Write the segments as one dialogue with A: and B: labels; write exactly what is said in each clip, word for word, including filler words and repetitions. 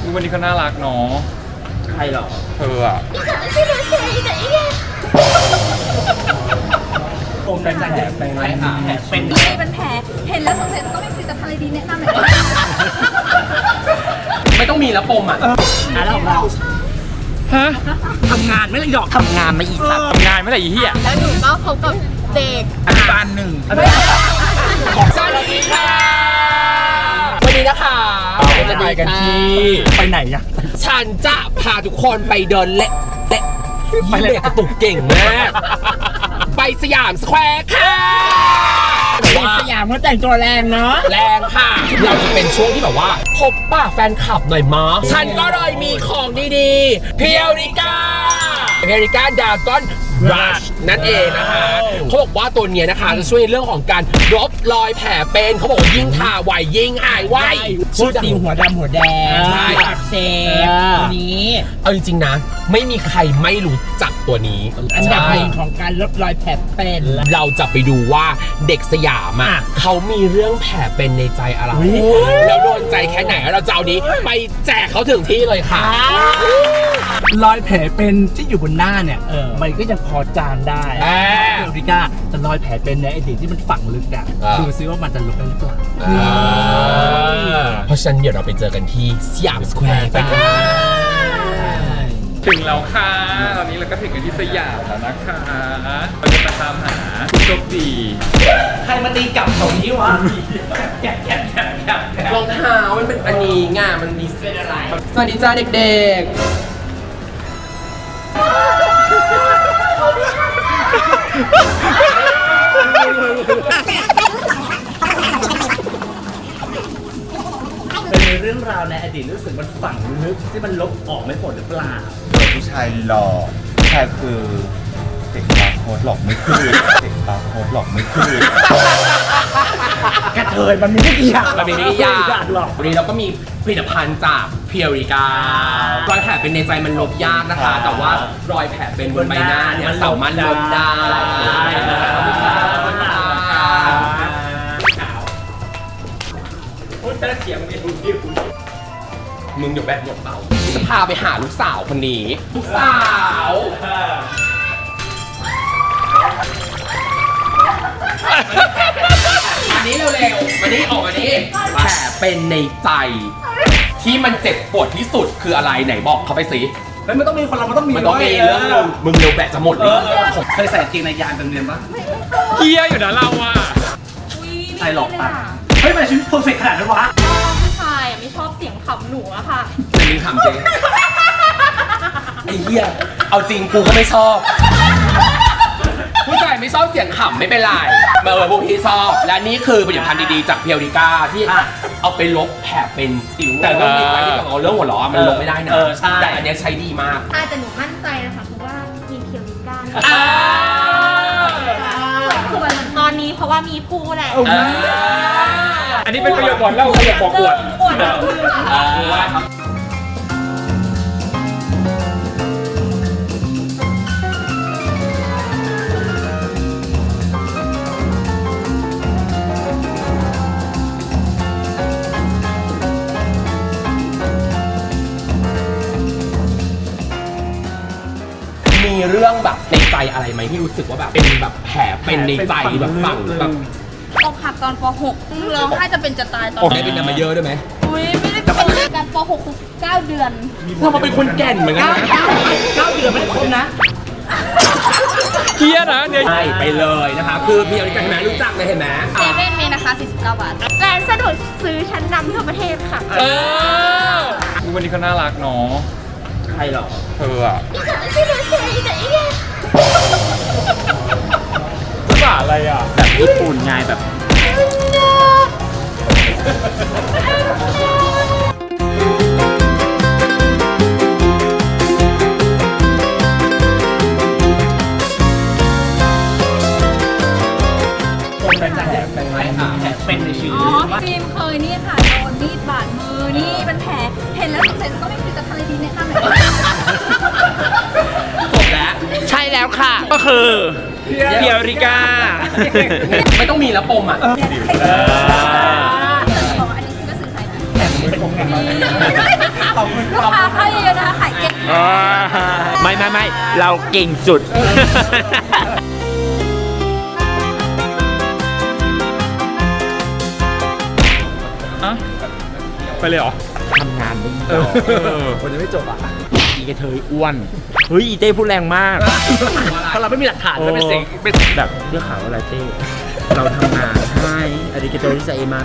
A: วันนี้เขาน่ารักเนาะ
B: ใครหรอ
A: เธออะ
B: ปมเป็นแผลเป็นไรค่ะแผลเป็น
C: ไม่เป็นแผลเห็นแล้วสงสัยจะต้องมีผลิตภัณฑ์อะไรดีแนะนำหน่อย
B: ไม่ต้องมีแล้วปมอ่ะอ่ะแล้วของเรา
A: ฮะ
B: ทำงานไม่เลยหรอกทำงานไม่อีสัตว์
A: ทำงานไม่ได้อีเหี้ย
C: แล้วหนูก็พบกับเด็ก
B: อนุบาลหนึ่งสวัสดีค่ะวันนี้นะคะ
A: จะไปกันที่
B: ไปไหนอะฉันจะพาทุกคนไปเดินเละเละไปเลยกระตุกเก่งมากไปสยามสแควร์ค่ะสยามเขาแต่งตัวแรงเนาะแรงค่ะเราจะเป็นช่วงที่แบบว่าพบป้าแฟนคลับหน่อยมั้ยฉันก็เลยมีของดีๆเพียวริก้าเพียวริก้าดาก้อนรัชนั่นเองนะคะเขาบอกว่าตัวนี้นะคะจะช่วยในเรื่องของการลบรอยแผลเป็นเขาบอกว่ายิ่งทาไวยิ่งหายไว
D: ชื่อตีหัวดำหัวแดงใช่อักเสบตัวนี้
B: เอาจริงๆนะไม่มีใครไม่รู้จักตัวนี้
D: อันดับหนึ่งของการลบรอยแผลเป็น
B: เราจะไปดูว่าเด็กสยามอ่ะเขามีเรื่องแผลเป็นในใจอะไรแล้วโดนใจแค่ไหนเราจะเอานี้ไปแจกเขาถึงที่เลยค่ะ
D: รอยแผลเป็นที่อยู่บนหน้าเนี่ยมันก็ยังพอจานได้เอริก้าแต่รอยแผลเป็นในอดีตที่มันฝังลึกอ่ะดูซิว่ามันจะลบได้หรือเปล่า
B: เพราะฉะนั้นเดี๋ยวเราไปเจอกันที่สยามสแควร์กัน
A: ถึงแล้วค่ะตอนนี้เราก็ถึงกันที่สยามแล้วนะคะเราจะไปตามหาผู้โชคดี
D: ใครมาตีกลับแถวนี้วะ
B: รองเท้ามันเป็นอันนี้ง่ามันมีเส้นอะไรสวัสดีจ้าเด็กๆ
D: เป็นเรื่องราวในอดีตรู้สึกมันฝังลึกที่มันลบออกไม่หมดหรือเปล่า
E: ผู้ชายหล่อผู้ชายคือเด็กบาร์โค้ดหลอกไม่คืนเด็กบาร์โค้ดหลอกไม่คืน
D: กระเทยมันมีไม่กี่อย่าง
B: มันมีไม่กี่อย่างหรอกวันนี้เราก็มีผลิตภัณฑ์จากเพียวริก้ารอยแผลเป็นในใจมันลบยากนะคะแต่ว่ารอยแผลเป็นบนใบหน้าเนี่ยสามารถลบได้เสียงมันดูดิมึงอยู่แบบหมดเป่าจะพาไปหาลูกสาวคนนี้ลูกสาวอันนี้เร็วๆมานี่ออกมานี่แผลเป็นในใจที่มันเจ็บปวดที่สุดคืออะไรไหนบอกเขาไปสิ
D: แล้วมันต้องมีคนเรามันต้องมี
B: มันต้องมีเรื่องนึงมึงเร็วแบะจะหมดเลย
D: ผมเคยใส่จริงในยานเป็นเรียนปะ
A: เฮียอยู่นะเราอ่ะ
D: ใส่หลอกปะเฮ้ยทำไมชีวิตเพอร์เฟกต์ขนาดนั้นวะ
C: ผู้ชายไม่ชอบเสียงขำหนูอะค่ะ
B: จะมีขำจริงไอ้เหี้ยเอาจริงกูก็ไม่ชอบผู้ชายไม่ชอบเสียงขำไม่เป็นไรเมื่อพวกพี่ชอบและนี่คือผลิตภัณฑ์ดีๆจากเพียวริก้าที่เอาไปลบแผลเป็นสิวแต่เรื่องนี้ไว้ที่เอาเรื่องหัวล้อมันลบไม่ได้นะแต่อันนี้ใช้ดีมาก
C: แต่หนูมั่นใจนะคะเพราะว่ามีเพียวริก้าส่วนตอนนี้เพราะว่ามีผู้แหละ
A: อันนี้เป็นประโยชน์ก่อนเล่าประโยชน์บอกอวด
C: อวด
B: มีเรื่องแบบในใจอะไรไหมที่รู้สึกว่าแบบเป็นแบบแผลเป็นในใจแบบฝังแบบ
C: อกหักตอนป หก ร้องไห้จะเป็นจะตายตอน
B: นี้เป็นมาเยอะด้วยไหม
C: อุ้ยไม่ได้เป็นการป หก คือเก้าเดือน
B: เรามาเป็นคนแก่นเหมือนกันนะ
D: เก้าเดือนไม่ได้ครบนะ
A: เฮียนะเนี่ย
B: ใช่ไปเลยนะคะคือเพียวริก้าเห็นไหมรู้จักเลยเห็นไหม
C: เซเว่นมีนะคะสี่สิบเก้าบาทร้านสะดวกซื้อชั้นนำทั่วประเทศค่ะ
A: เออวันนี้เขาน่ารักเนาะ
D: ใครหรอ
A: เธออะ
C: ชื่อหนูเซอีไหนเนี่ย
A: ภาษาอะไรอ่ะ
D: แบบญี่ปุ่นไงแบบเป็นแผลเป็นไรค่ะแผลเป็นในชีวิต
C: อ๋อฟิล์มเคยนี่ค่ะโดนมีดบาดมือนี่เป็นแผลเห็นแล้วสงสัยจะต้องมีผลิตภัณฑ์อะไรดีแนะนำหน่อย
B: จบแล้ว
D: ใช่แล้วค่ะ
A: ก็คือเพียวริก้า
B: ไม่ต้องมีแล้วปมอ่ะ
C: อันนี้คือก็สื่อสารนะแต่ไม่เป็นผมกันตอบลูกค้าเข้าเยอะๆนะคะขายเก่ง
B: ไม่ไม่ไม่เราเก่งสุด
A: อ่ะไปเลยเหรอ
B: ทำงานไม่
A: เอ
B: ต่
A: อ
B: อ
D: คนจะไม่จบอ่ะ
B: อีกระเทยอ้วน เฮ้ยอีเต้พูดแรงมาก
D: เพราะเราไม่มีหลักฐานจะเป็นสิ่งเป็น
B: แบบเรื่องข่าวอะไรเต้ เราทำงานให้อาริกาโตริซาเอมา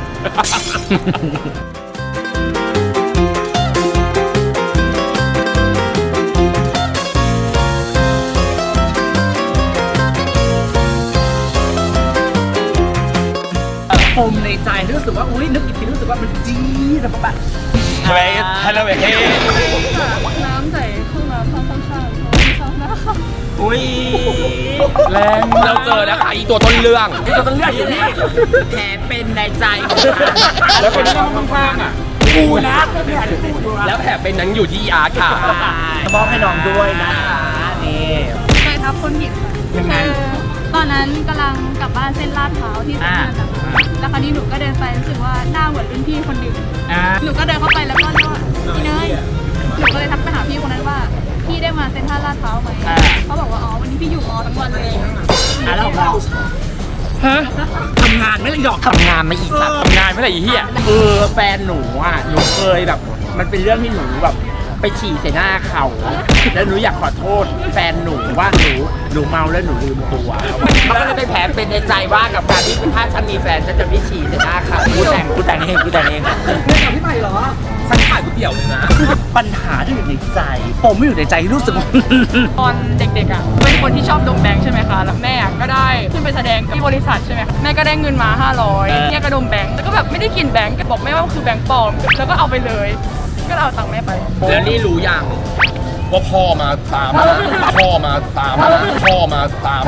D: ปมในใจที่รู้สึกว่าอุ้ยนึกอีกทีรู้สึกว่ามันจี๊ดแบบแบบ
A: เฮ้ยฮัลโหลเฮ้ย
C: น้ำใส่เครื่องน้ำข้างข้างๆไม่ชอบนะคะ
B: อุ้ย
A: แรง
B: เราเจอนะคะอีตัวต้นเรื่อง
D: ที่เราต้องเลือกอยู่นี่
B: แผลเป็นในใจ
A: แล้วเป็นนั่งข้างๆอ่ะ
D: กูนะเนี่ย
B: แล้วแผลเป็นนั้นอยู่ที่อาร์ตค่ะ
D: มอบให้น้องด้วยนะคะนี่
C: เคยทับคนผิดค่ะ
D: ยังไง
C: คือตอนนั้นกำลังกลับบ้านเส้นลาดพร้าวที่เส้นทางกลับบ้านแล้วคราวนี้หนูก็เดินไปรู้สึกว่าหน้าเหมือนรุ่นพี่คนหนึ่ง
D: อ่า
C: หนูก็เดินเข้าไปแล้วก็เรียกว่าพี่เนยหนูก็เลยทักไปหาพี่คนนั้นว่าพี่ได้มาเซ็นทรัลลาดพร้าวไหมเขาบอกว่าอ๋อวันนี้พี่อยู่มอทั้งวันเลย
D: อ่ะแล้วของเรา
A: ฮะ
D: ทำงานไม่เลยหรอก
B: ทำงานไม่อีกสัตว์
A: ทำงานไม่ไหร่อีเหี้ย
B: เออแฟนหนูอ่ะ หนูเคยแบบ มันเป็นเรื่องที่หนูแบบไปฉี่ใส่หน้าเขา แล้วหนูอยากขอโทษ แฟนหนูว่าหนูหนูเมาแล้วหนูลืมตัวมันก็เลยเป็นแผลเป็นในใจว่ากับการที่ถ้าฉันมีแฟนฉันจะไม่ฉี่ใส่หน้าเขากูแต่งกูแต่งเองกูแต่งเอง
D: ไม่กับพี่ใหม่เหรอ
B: ฉันขายก๋วยเตี๋ยวเลยนะ
D: ปัญหาที่อยู่ในใจปมไม่อยู่ในใจรู้สึกว่า
F: ตอนเด็กๆอ่ะเป็นคนที่ชอบดมแบงค์ใช่ไหมคะแล้วแม่อะก็ได้ขึ้นไปแสดงกับที่บริษัทใช่ไหมคะแม่ก็ได้เงินมาห้าร้อยแม่ก็ดมแบงค์แล้วก็แบบไม่ได้กินแบงค์บอกแม่ว่าคือแบงค์ปลอมแล้วก็เอาไปเลย ก็เอาตังค์แม่ไป
B: แล้วนี่รู้ยัง
G: ว่าพ่อมาตามมาพ่อมาตามมาพ่อมาตามมา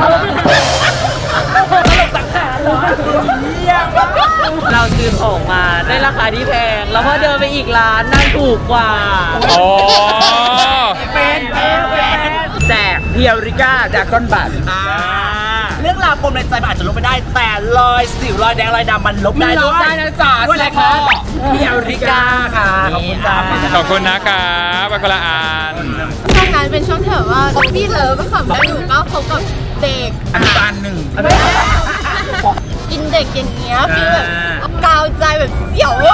F: เราซื้อของมาได้ราคาที่แพงแล้วพอเดินไปอีกร้านนั่นถูกกว่า
A: อ๋อ
D: เป็นเป็นเป็น
B: แจกเพียวริก้าดากอนบัต
D: เรื่องราวปมในใจมันอาจจะลบไม่ได้ แต่รอยสิวรอยแดงรอยดำมันลบได้
B: มันล
D: ด้
B: บ
D: วย
B: ได้นะจ๊ะ
D: ด้วยอะไรคะเพียวริกาค่ะขอบคุณจ้า
A: ขอบคุณนะครับบักละอาน
C: ช่วงนั้นเป็นช่วงที่แบบว่าพี่เลิฟก็ขับแล้วหนูก็พบกับเด็ก
B: อนุบาลหนึ่ง
C: กินเด็กอย่างเงี้ยคือแบบกาวใจแบบเสียวอะ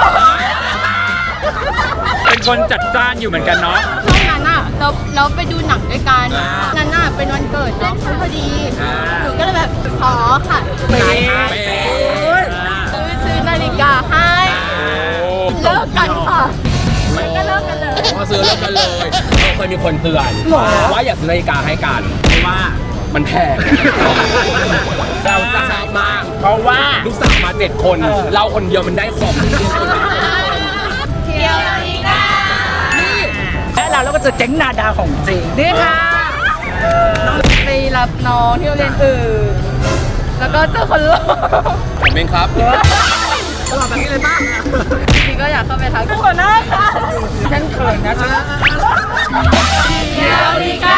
A: เป็นคนจัดจ้านอยู่เหมือนกันเนาะ
C: ช่วงนั้นอ่ะเราเราไปดูหนังด้วยกันนั้นน่ะเป็นวันเกิดน้องเขาพอดีหนูก็เลยแบบขอค่ะ
B: เป๊
C: ซื้อซื้อนาฬิกาให้เลิกกันค่ะมันก็เลิกกันเลย
B: พอซื้อแล้วกันเลยเราเคยมีคนเตือนว่าอย่าซื้อนาฬิกาให้กันเพราะว่ามันแพงเราจะชอบมาก เพราะว่าลูกสาวมาเจ็ดคน เราคนเดียวมันได้ของ
C: เที่ยวนาฬิกา
D: และเราแล้วก็เจอเจ๊งนาดาของจริงนี่ค่ะ
F: ไปรับน้องที่โรงเรียนอื่นแล้วก็เจอคนหล่อ
G: ผมเองครับ
D: ตลอดแบบนี้เลยป่ะ
F: พี่ก็อยากเข้าไปทักทุกคนหน้าค่ะ
D: ฉันเขินนะฉัน
C: เที่ยวนาฬิการ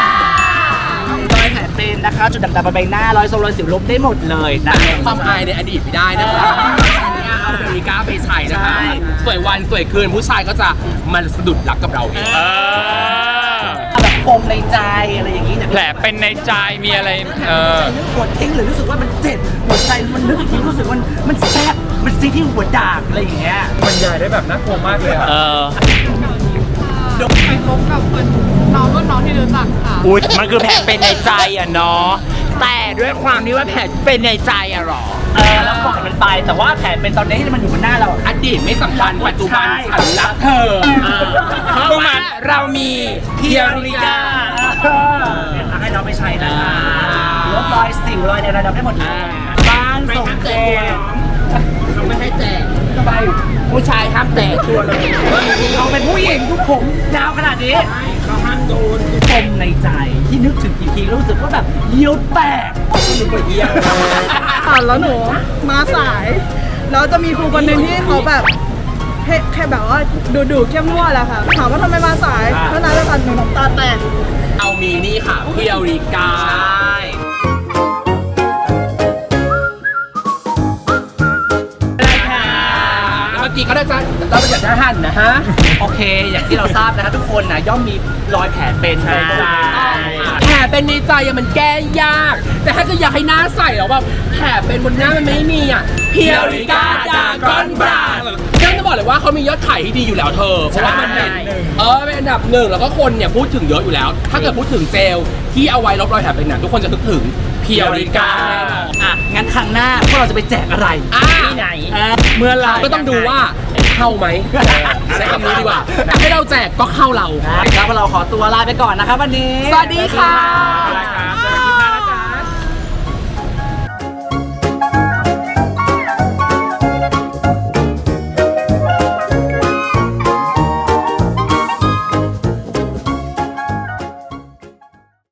D: อยแผลเป็นนะคะ จุดด่างๆบนใบหน้ารอยทรงรอยสิวลบได้หมดเลยนะ
B: ความอายในอดีตไม่ได้นะคะเอานาฬิกาไปใช้นะคะ สวยวันสวยคืนผู้ชายก็จะมันสะดุดรักกับเราเอง
A: เออ
D: แบบปมในใจอะไรอย่างนี้เนี่ย
A: แผลเป็นในใจมีอะไร เออ
D: นึกกดทิ้งหรือรู้สึกว่ามันเจ็บหัวใจมันนึกอีกทีรู้สึกว่ามันมันแซ่บมันซีที่หัวดากอะไรอย่างเงี้ย
A: บรรยายได้แบบน่ากลัวมากเลยอะ
B: เออ
F: ไปพบกับคนน้องรุ่นน้องที่รู้จักค่ะ
B: อุ๊ยมันคือแผลเป็นในใจอ่ะเนาะ แต่ด้วยความที่ว่าแผลเป็นในใจอ่ะหรอ
D: เออแล้วปล่อยมันไปแต่ว่าแผลเป็นตอนนี้ที่มันอยู่บนหน้าเรา
B: อดีตไม่สำคัญปัจจุบัน
D: ใช่
B: ฉันรักเธอเพราะว่าเรามีเพียวริกา
D: ให้น้องไปใช้นะคะลบรอยสิวรอยในระดับได้หมดเลยบ้านส่งเจ
B: เขาไม่ให้แจกทำไมผู้ชายห้ามแตะตัวเลย
D: เขาเป็นผู้หญิงทุกผมยาวขนาดนี้
B: เขาห้ามโดน
D: ปมในใจที่นึกถึงกี่ทีรู้สึกว่าแบบเยี่ยวแตก
B: มึงก็เยี่ยม
F: ค่ะแล้วหนูมาสาย แล้วจะมีครูคนหนึ่งที่เขาแบบแค่แค่แบบว่าดูดูเข้มงวดแหละค่ะ ถามว่าทำไมมาสายเท่านั้นแล้วกันหนูน้ำตาแตก
B: เอามีนี่ค่ะเพียวริกาเมื่อกี้ก็ได้จ้า
D: เราไปจากทหารนะฮะ โอเค อย่างที่เราทราบนะคะทุกคนนะย่อมมีรอยแผลเป็นในใจแผลเป็นในใจอะมันแก้ยาก แต่ถ้าจะอยากให้หน้าใสแล้วแบบแผลเป็นบนหน้ามันไม่มีอ่ะเพียวริก้าดากอนบราฉันจะบอกเลยว่าเขามียอดขายที่ดีอยู่แล้วเธอเพราะว่ามันเป็นเออเป็นอันดับหนึ่งแล้วก็คนเนี่ยพูดถึงเยอะอยู่แล้ว ถ้าเกิดพูดถึงเจลที่เอาไว้ลบรอยแผลเป็นน่ะทุกคนจะนึกถึงเพียวริก้าแน่นอน อ่ะงั้นครั้งหน้าพวกเราจะไปแจกอะไร
B: ที่ไหน
D: เมื่อไหรก็ต้องดูว่าเข้าไหมใช้คำนี้ดีกว่าให้เราแจกก็เข้าเรา
B: ครับเราขอตัวลาไปก่อนนะครับวันนี้
D: สวัสดีค่ะ
A: ครับ